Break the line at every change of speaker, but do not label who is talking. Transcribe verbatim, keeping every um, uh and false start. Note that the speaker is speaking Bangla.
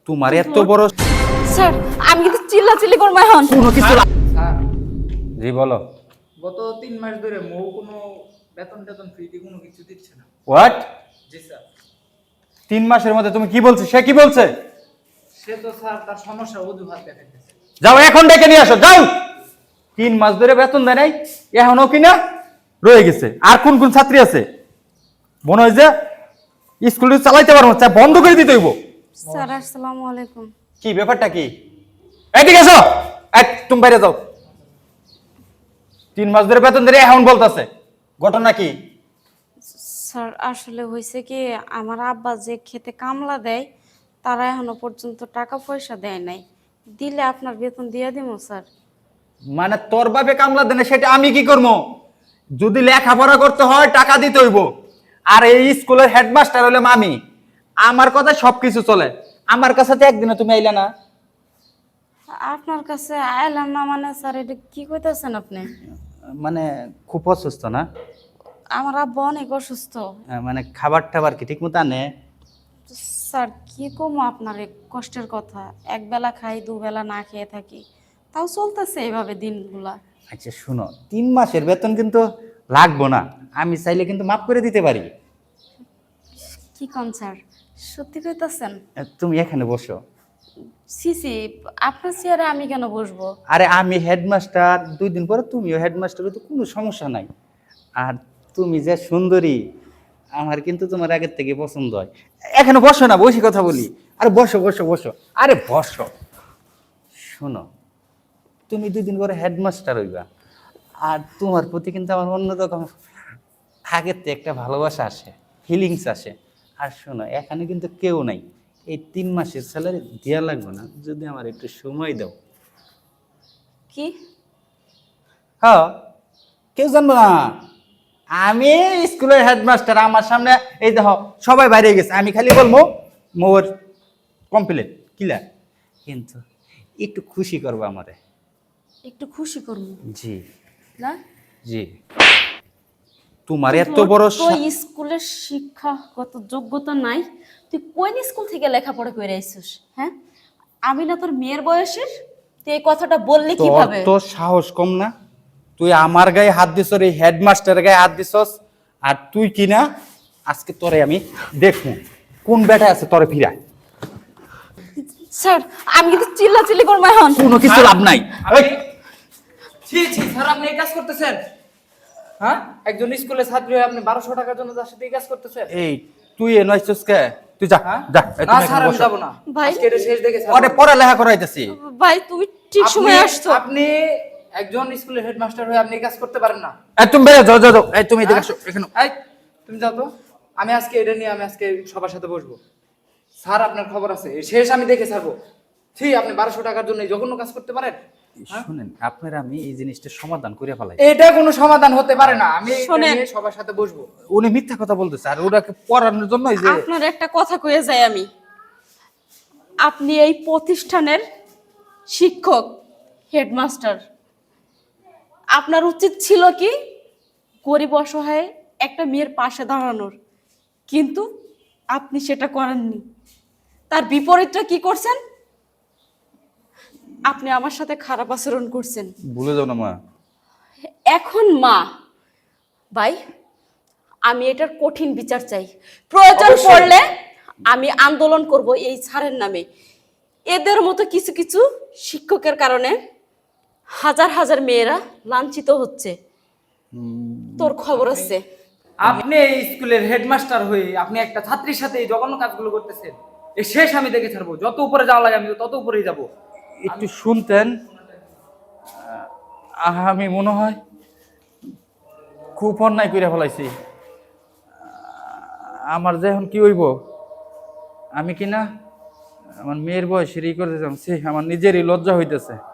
তোমার এত বড়
স্যার আমি কিন্তু চিল্লাচিল্লি করবো এখন।
কোনো কিছু
স্যার
জি বলো।
গত তিন মাস ধরে মৌ কোনো বেতন টেতন ফ্রিতে কোনো কিছু দিচ্ছে না।
হোয়াট?
জি স্যার।
তিন মাসের মধ্যে তুমি কি বলছো? সে কি বলছে?
সে তো স্যার তার সমস্যা অজুহাত দেখাইতেছে।
যাও এখন ডেকে নিয়ে আসো, যাও। তিন মাস ধরে বেতন দেয় নাই, এখনো কিনা রয়ে গেছে। আর কোন কোন ছাত্রী আছে মনে হয় যে স্কুল চালাইতে পারবো না, বন্ধ করে দিতে হইব।
স্যার আসসালামু আলাইকুম।
কি ব্যাপারটা কি? এদিকে এসো, এই তুমি বাইরে যাও। তিন মাস ধরে বেতন ধরে এখন বলতেছে, ঘটনা কি?
স্যার আসলে হয়েছে কি, আমার আব্বা যে খেতে কামলা দেয় তারা এখনো পর্যন্ত টাকা পয়সা দেয় নাই। দিলে আপনার বেতন দিয়ে দিব স্যার।
মানে তোর বাপে কামলা দেনে সেটা আমি কি করবো? যদি লেখাপড়া করতে হয় টাকা দিতে হইব। আর এই স্কুলের হেডমাস্টার হলে মামি, আমার কথা সবকিছু চলে। আমার কাছে তো একদিনে তুমি আইলা না।
আপনার কাছে আইলাম না মানে স্যার এটা কি কইতেছেন আপনি?
মানে খুব অসুস্থ না?
আমার আব্বা অনেক অসুস্থ।
মানে খাবার টাবার কি ঠিক মতো আনে?
স্যার কি কমো আপনার এই কষ্টের কথা, এক বেলা খাই দুবেলা না খেয়ে থাকি, তাও চলতেছে এইভাবে দিনগুলা।
আচ্ছা শুনো, তিন মাসের বেতন কিন্তু লাগবো না, আমি চাইলে কিন্তু মাফ করে দিতে পারি।
কি কোন স্যার, সত্যি কইতাছেন?
তুমি এখানে বসো।
সিসি আপনার চেয়ারে আমি কেন বসবো?
আরে আমি হেডমাস্টার, দুই দিন পরে তুমিও হেডমাস্টার, তো কোনো সমস্যা নাই। আর তুমি যে সুন্দরী, আমার কিন্তু তোমার আগের থেকে পছন্দ হয়। এখানে বসো না, বসে কথা বলি। আরে বসো বসো বসো, আরে বসো। শোনো, তুমি দুই দিন পরে হেডমাস্টার হইবা, আর তোমার প্রতি কিন্তু আমার অন্যরকম আগের থেকে একটা ভালোবাসা আসে, ফিলিংস আসে। আর শোনো, এখানে কিন্তু কেউ নাই, এই তিন মাসের স্যালারি দেওয়া লাগবে না যদি আমার একটু সময় দাও।
কি?
হ্যাঁ, কেউ জানবো না, আমি স্কুলের হেডমাস্টার। আমার সামনে এই দেখো সবাই বাইরে গেছে, আমি খালি বলবো মোর কমপ্লিট ক্লিয়ার। কিন্তু একটু খুশি করবো আমারে।
একটু খুশি করবো
জি
না?
জি। তোমার এত
তোর
বড়
তো
সা-
স্কুলের শিক্ষাগত যোগ্যতা নাই, তুই কোন স্কুল থেকে লেখাপড়া করে আইছিস? হ্যাঁ, আমি না তোর মেয়ের বয়সের, তুই এই কথাটা বললি
তোর
কিভাবে?
তো সাহস কম না? তুই আমার গায়ে হাত দিছস, এই হেডমাস্টারের গায়ে হাত দিছস। আর তুই কি না, আজকে তোরে আমি দেখবো কোন বেটা আছে তোরে ফিরা।
স্যার আমি কিন্তু চিল্লাচিল্লি করবো এখন।
কোনো কিছু লাভ নাই। এই,
ছি ছি স্যার, আপনি এই কাজ করতেছেন? হ্যাঁ, একজন স্কুলের ছাত্রী হয়ে আপনি বারোশো টাকার জন্য তার সাথে এই কাজ করতেছেন?
এই তুই এ নয়ছস কে? তুই যা
হ্যাঁ
যা, এই
না
তুমি
স্যার,
এখানে
আমি
বসো।
যাবো না।
ভাই।
আজকে এটা শেষ দেখে স্যার।
ওরে পড়ালেখা করাইতেছি।
ভাই তুমি ঠিক
আপনি-
সময় আসছো।
আপনি একজন স্কুলের হেডমাস্টার হয়ে আপনি এই কাজ করতে পারেন না।
এই তুমি বেরো, যাও যাও যাও। এই তুমি এদিকে আসো এখানে।
এই তুমি যাও তো, আমি আজকে এটা নিয়ে আমি আজকে সবার সাথে বসবো। স্যার আপনার খবর আছে, এই শেষ আমি দেখে ছাড়বো। ঠিক, আপনি বারোশো টাকার জন্য এই জঘন্য কাজ করতে পারেন?
শুনেন, আপনারা আমি এই জিনিসটা সমাধান করে ফেলাই।
এটা কোনো সমাধান হতে পারে না। আমি এটা
শোনেন।
নিয়ে সবার সাথে বসবো।
উনি মিথ্যা কথা বলতেছে, আর ওটাকে পড়ানোর জন্যই যে
আপনার একটা কথা কয়ে যাই আমি, আপনি এই প্রতিষ্ঠানের শিক্ষক, হেডমাস্টার। আপনার উচিত ছিল কি গরিব অসহায় একটা মেয়ের পাশে দাঁড়ানোর, কিন্তু আপনি সেটা করেননি। তার বিপরীতটা কি করছেন? আপনি আমার সাথে খারাপ আচরণ করছেন।
ভুলে যাও না মা।
এখন মা ভাই, আমি এটার কঠিন বিচার চাই। প্রয়োজন
অবশ্যই।
পড়লে আমি আন্দোলন করব এই ছাড়ের নামে। এদের মতো কিছু কিছু শিক্ষকের কারণে হাজার হাজার মেয়েরা লাঞ্ছিত হচ্ছে। তোর খবর আছে?
আপনি এই স্কুলের হেডমাস্টার হয়ে আপনি একটা ছাত্রীর সাথে এই জঘন্য কাজগুলো করতেছেন। এই শেষ আমি দেখে ছাড়বো। যত উপরে যাওয়া লাগে আমি তত উপরেই যাব।
একটু শুনতেন, আহ, আমি মনে হয় খুব অন্যায় করে ফেলাইছি। আমার যে এখন কি হইব, আমি কি না আমার মেয়ের বয়সের ই করতেছিলাম, সে আমার নিজেরই লজ্জা হইতেছে।